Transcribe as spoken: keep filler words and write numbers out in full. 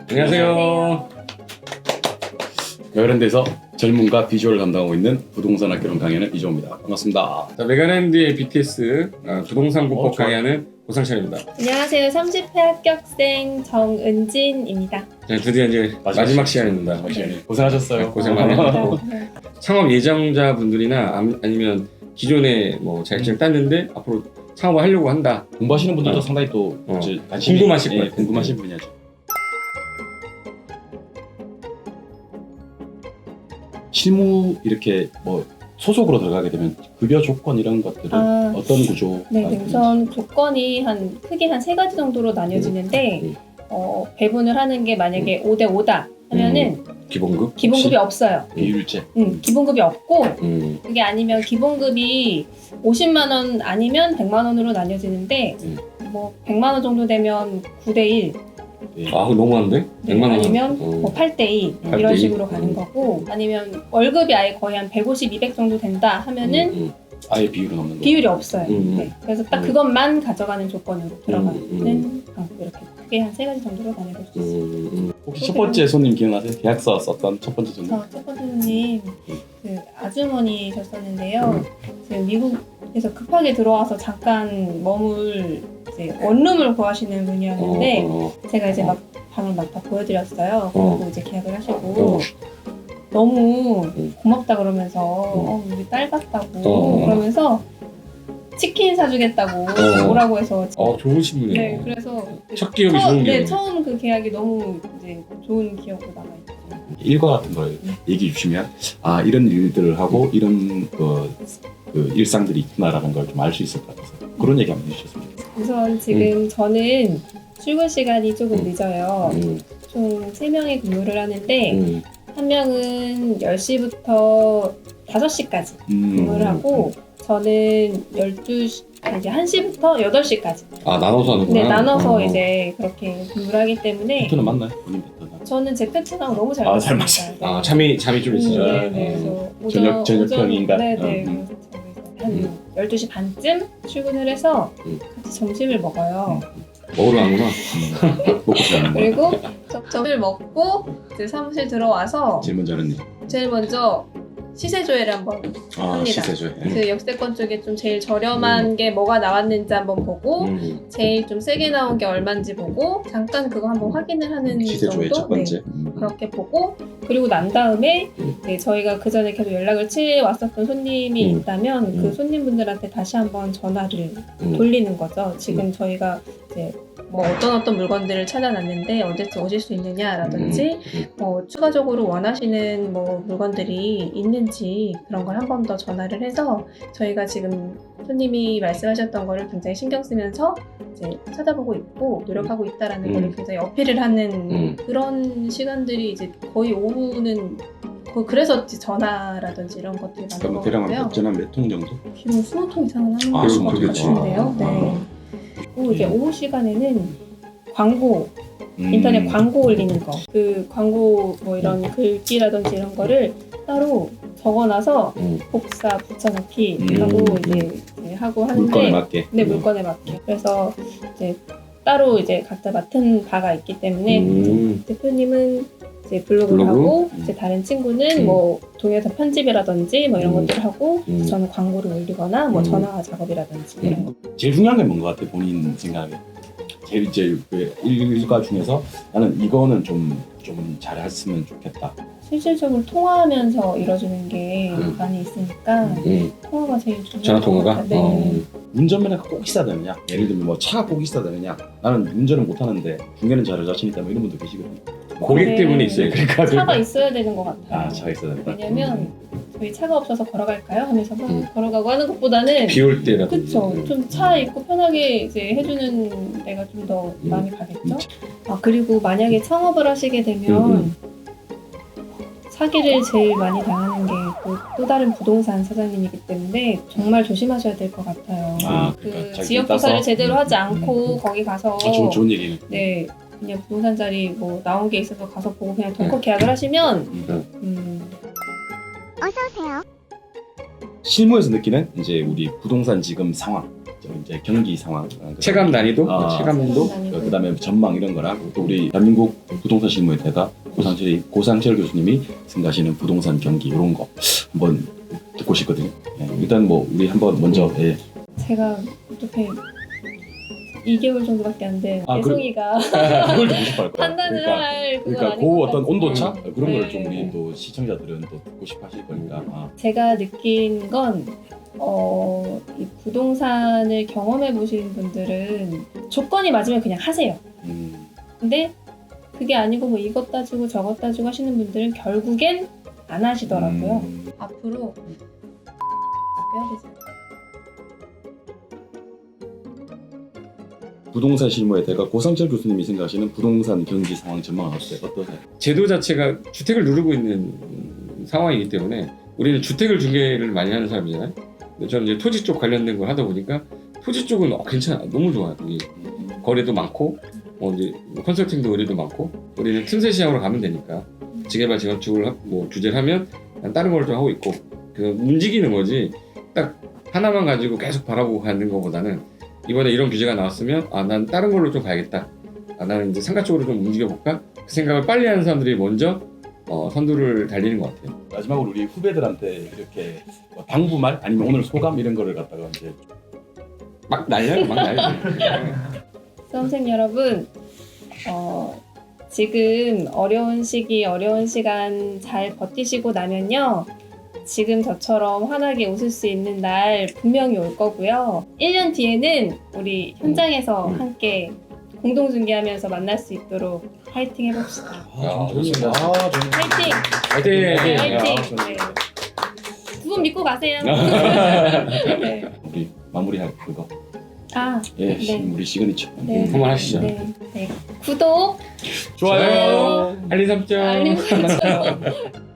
안녕하세요. 메가랜드에서 젊음과 비주얼을 담당하고 있는 부동산 학교론 강의하는 이종호입니다. 반갑습니다. 자, 메가랜드의 비티에스 아, 부동산 공법 어, 좋아요. 강의하는 고상철입니다. 안녕하세요. 삼십 회 합격생 정은진입니다. 자, 드디어 이제 마지막, 마지막 시간입니다. 마지막 시간에 고생하셨어요. 네, 고생 많이 하셨고 네. 창업 예정자분들이나 암- 아니면 기존에 뭐 자격증 땄는데 앞으로 창업을 하려고 한다. 공부하시는 분들도 어. 상당히 또 어. 이제 관심이- 궁금하실 예, 것 같아요. 궁금하신 분야죠. 실무 이렇게 뭐 소속으로 들어가게 되면 급여 조건 이런 것들은 아, 어떤 구조? 네, 네, 우선 조건이 한 크게 한 세 가지 정도로 나뉘어지는데 음. 어, 배분을 하는 게 만약에 오 대 오다 하면은 기본급? 기본급이 없어요. 비율제. 음, 기본급이 없고 음. 그게 아니면 기본급이 오십만 원 아니면 백만 원으로 나뉘어지는데 음. 뭐 백만 원 정도 되면 구 대 일 예. 아, 그거 너무한데? 네, 백만 원. 아니면 어. 뭐 팔 대 이 팔 대 이런 이? 식으로 가는 음. 거고 아니면 월급이 아예 거의 한 백오십, 이백 정도 된다 하면은 음, 아예 비율은 없는 거. 비율이 없어요. 음. 네. 그래서 딱 음. 그것만 가져가는 조건으로 들어가는 음. 방법 이렇게 크게 한 세 가지 정도로 나눠볼 수 음. 있어요. 음. 음. 혹시 첫 번째 손님 기억나세요? 계약서 썼던 첫 번째 손님. 저 첫 번째 손님 그 아주머니셨었는데요. 지금 미국에서 급하게 들어와서 잠깐 머물 이제 원룸을 구하시는 분이었는데 어, 제가 이제 막 방을 막 다 보여드렸어요. 어. 그리고 이제 계약을 하시고 어. 너무 음. 고맙다 그러면서 어, 우리 딸 같다고 어. 그러면서 치킨 사주겠다고 어. 오라고 해서 어, 좋으신 분이에요. 네 그래서 첫 기억이 처, 좋은 네 기억이에요. 처음 그 계약이 너무 이제 좋은 기억으로 남아 있죠. 일과 같은 걸 얘기해 주시면 아 이런 일들을 하고 이런 그, 그 일상들이 있구나라는 걸 좀 알 수 있을 것 같아서 그런 얘기 한번 해주셨으면 좋겠어요. 우선 지금 저는 출근 시간이 조금 음. 늦어요. 음. 총 세 명이 근무를 하는데 음. 한 명은 열 시부터 다섯 시까지 근무를 하고 저는 열두 시 이제 한 시부터 여덟 시까지 아, 나눠서 하는구나. 네, 나눠서 어. 이제 그렇게 근무를 하기 때문에 패턴은 맞나요? 본인 패턴은? 저는 제 패턴하고 너무 잘 아, 맞습니다. 잘 맞아요. 네. 아, 잠이 잠이 좀 있으죠. 네, 네. 음. 그래서 저녁- 오전- 저녁형인가? 오전- 네, 네. 음. 그래서 한 열두 시 반쯤 출근을 해서 음. 같이 점심을 먹어요. 먹으러 가는구나. 음, 먹고 싶다는 거. 그리고 저- 점심을 먹고 이제 사무실 들어와서 제일 먼저 하는 일. 제일 먼저 시세 조회를 한번 아, 합니다. 시세죠. 예. 그 역세권 쪽에 좀 제일 저렴한 게 뭐가 나왔는지 한번 보고 음. 제일 좀 세게 나온 게 얼마인지 보고 잠깐 그거 한번 확인을 하는 시세 조회 첫 정도 네, 번째. 음. 그렇게 보고 그리고 난 다음에 음. 이제 저희가 그 전에 계속 연락을 취해 왔었던 손님이 음. 있다면 음. 그 손님분들한테 다시 한번 전화를 음. 돌리는 거죠. 지금 저희가 이제 뭐 어떤 어떤 물건들을 찾아놨는데 언제쯤 오실 수 있느냐라든지 음. 뭐 추가적으로 원하시는 뭐 물건들이 있는지 그런 걸 한 번 더 전화를 해서 저희가 지금 손님이 말씀하셨던 거를 굉장히 신경 쓰면서 이제 찾아보고 있고 노력하고 있다라는 음. 거를 굉장히 어필을 하는 음. 그런 시간들이 이제 거의 오후는 거- 그래서 이제 전화라든지 이런 것들이 많은 그럼 것 대략 한 같고요. 몇 전화 몇 통 정도? 기본 스무 통 이상은 하는 아, 것 스무 통, 같은데요. 그렇지. 네. 그리고 이제 음. 오후 시간에는 광고 음. 인터넷 광고 올리는 거, 그 광고 뭐 이런 음. 글귀라든지 이런 거를 따로 적어놔서 음. 복사 붙여넣기 음. 하고 이제, 이제 하고 하는데, 물건에 맞게. 네 물건에 맞게. 그래서 이제 따로 이제 각자 맡은 바가 있기 때문에 음. 대표님은 이제 블로그를 블로그? 하고 음. 이제 다른 친구는 음. 뭐 동영상 편집이라든지 뭐 이런 음. 것들을 하고 음. 저는 광고를 올리거나 뭐 음. 전화 작업이라든지 이런 거. 제일 중요한 게 뭔 것 같아 본인 생각에? 제일 이제 그 일과 중에서 나는 이거는 좀 좀 잘했으면 좋겠다. 실질적으로 통화하면서 이루어지는 게 음. 많이 있으니까 음. 통화가 제일 중요한 전화 것 통화가? 같아요. 네. 어. 운전면허가 꼭 있어야 되느냐? 예를 들면 뭐 차가 꼭 있어야 되느냐? 나는 운전을 못 하는데 중간은 잘할 자신 있다 뭐 이런 분도 계시거든요. 고객 네. 때문에 있어요. 그러니까 차가 있어야 되는 것 같아요. 아 차가 있어야 된다. 왜냐면 저희 차가 없어서 걸어갈까요? 하면서 막 음. 걸어가고 하는 것보다는 비올 때라든지. 그쵸. 좀 차 있고 편하게 이제 해주는 데가 좀 더 음. 마음이 가겠죠. 아 그리고 만약에 창업을 하시게 되면 음, 사기를 제일 많이 당하는 게 또 다른 부동산 사장님이기 때문에 정말 조심하셔야 될 것 같아요. 아, 그 그러니까 자기 지역 따서? 조사를 제대로 하지 음, 않고 음. 거기 가서 아, 좋은 좋은 얘기네. 네 그냥 부동산 자리 뭐 나온 게 있어서 가서 보고 그냥 덜컥 계약을 하시면 음. 음, 실무에서 느끼는 이제 우리 부동산 지금 상황 또 이제 경기 상황, 어, 체감 난이도, 아, 체감도. 체감 난이도. 그 다음에 전망 이런 거랑 또 우리 대한민국 부동산 실무에 대가 고상철 고상철 교수님이 생각하시는 부동산 경기 이런 거 한번 듣고 싶거든요. 예, 일단 뭐 우리 한번 먼저 예. 제가 어떻게 이 개월 정도밖에 안 된 아, 그래? 애송이가 그걸 듣고 싶어 할 거예요. 판단을 그러니까, 할 그건 그러니까 아닌 그 것 어떤 같아요. 온도차 그런 걸 네. 좀 우리 또 시청자들은 또 듣고 싶어 하실 거니까. 아. 제가 느낀 건 어, 이 부동산을 경험해 보신 분들은 조건이 맞으면 그냥 하세요. 음, 근데 그게 아니고 뭐 이것 따지고 저것 따지고 하시는 분들은 결국엔 안 하시더라고요. 음, 앞으로 빼야 되지. 부동산 실무에 대가 고상철 교수님이 생각하시는 부동산 경기 상황 전망은 어떠세요? 어떠세요? 제도 자체가 주택을 누르고 있는 상황이기 때문에 우리는 주택을 중개를 많이 하는 사람이잖아요. 근데 저는 이제 토지 쪽 관련된 걸 하다 보니까 토지 쪽은 어, 괜찮아, 너무 좋아요. 이 거래도 많고, 어, 이제 컨설팅도 의뢰도 많고, 우리는 틈새 시장으로 가면 되니까 재개발 재건축을 하- 뭐 규제를 하면 난 다른 걸 좀 하고 있고, 그 움직이는 거지. 딱 하나만 가지고 계속 바라보고 가는 것보다는 이번에 이런 규제가 나왔으면 아, 난 다른 걸로 좀 가야겠다. 아, 나는 이제 상가 쪽으로 좀 움직여볼까? 그 생각을 빨리 하는 사람들이 먼저 어, 선두를 달리는 것 같아요. 마지막으로 우리 후배들한테 이렇게 뭐 당부말 아니면 오늘 소감 이런 거를 갖다가 이제 막 날려요, 막 날려요. 수험생 여러분, 어, 지금 어려운 시기, 어려운 시간 잘 버티시고 나면요. 지금 저처럼 환하게 웃을 수 있는 날 분명히 올 거고요. 일 년 뒤에는 우리 현장에서 음. 함께 공동중개하면서 만날 수 있도록 파이팅 해봅시다. 아, 좋습니다. 아, 좋습니다. 파이팅! 화이팅! 네, 화이팅! 화이팅! 아, 좋습니다. 네. 두 분 믿고 가세요. 네. 우리 마무리할 그거. 아, 예, 네. 우리 시그니처. 네. 그만하시죠. 네. 네. 구독, 좋아요. 알림 설정. 알림 설정.